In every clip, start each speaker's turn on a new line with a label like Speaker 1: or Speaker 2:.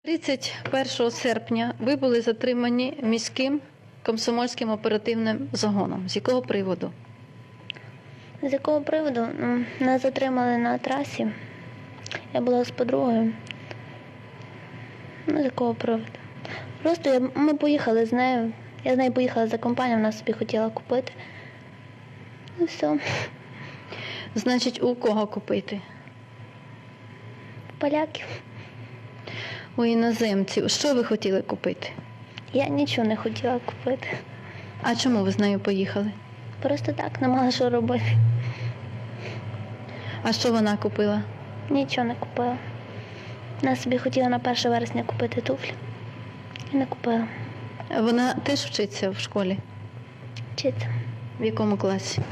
Speaker 1: 31 серпня ви були затримані міським комсомольським оперативним загоном. З якого приводу?
Speaker 2: З якого приводу? Нас затримали на трасі. Я була з подругою. З якого приводу? Просто ми поїхали з нею. Я з нею поїхала за компанію, вона собі хотіла купити. І все.
Speaker 1: Значить, у кого купити?
Speaker 2: Поляків.
Speaker 1: У іноземців. Що ви хотіли купити?
Speaker 2: Я нічого не хотіла купити.
Speaker 1: А чому ви з нею поїхали?
Speaker 2: Просто так, не мала що робити.
Speaker 1: А що вона купила?
Speaker 2: Нічого не купила. Вона собі хотіла на 1 вересня купити туфлі. І не купила.
Speaker 1: Вона теж вчиться в школі?
Speaker 2: Вчиться.
Speaker 1: В якому класі?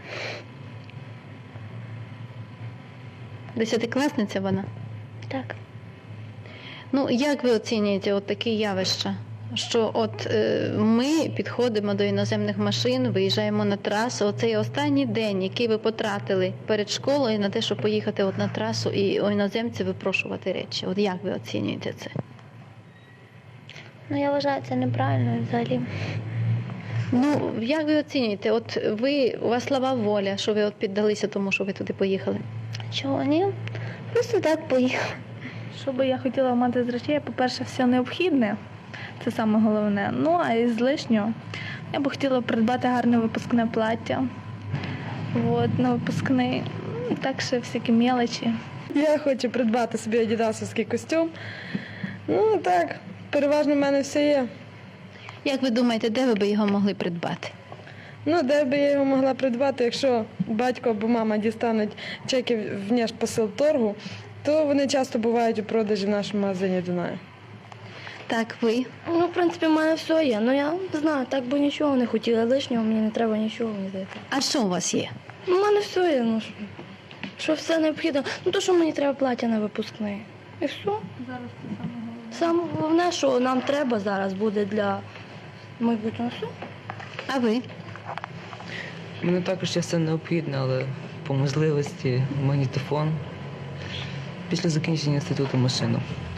Speaker 1: 10-класниця вона?
Speaker 2: Так.
Speaker 1: Ну, як ви оцінюєте от такі явища? Що от ми підходимо до іноземних машин, виїжджаємо на трасу. Оцей останній день, який ви потратили перед школою на те, щоб поїхати от на трасу і у іноземців випрошувати речі. От як ви оцінюєте це?
Speaker 2: Ну, я вважаю, це неправильно взагалі.
Speaker 1: Ну, як ви оцінюєте? От у вас слаба воля, що ви от піддалися тому, що ви туди поїхали?
Speaker 2: Чого ні? Просто так поїхала.
Speaker 3: Що би я хотіла мати з речей, по-перше, все необхідне, це саме головне. Ну, а із лишнього я би хотіла придбати гарне випускне плаття. От, на випускний, так ще всякі мелочі.
Speaker 4: Я хочу придбати собі адідасовський костюм. Ну так, переважно в мене все є.
Speaker 1: Як ви думаєте, де ви би його могли придбати?
Speaker 4: Ну, де би я його могла придбати, якщо батько або мама дістануть чеки в Нєшпосилторгу, то вони часто бувають у продажі в нашому магазині Дунаю.
Speaker 1: Так, ви?
Speaker 5: Ну, в принципі, в мене все є. Ну, я не знаю, так би нічого не хотіла лишнього, мені не треба нічого, мені здається.
Speaker 1: А що у вас є?
Speaker 5: Ну, в мене все є, ну, що все необхідно. Ну, то, що мені треба плаття на випускний. І все.
Speaker 3: Зараз це саме головне.
Speaker 5: Саме головне, що нам треба зараз буде для майбутнього. Все.
Speaker 1: А ви?
Speaker 6: Мене також є все необхідне, але по можливості магнітофон. Після закінчення інституту машину.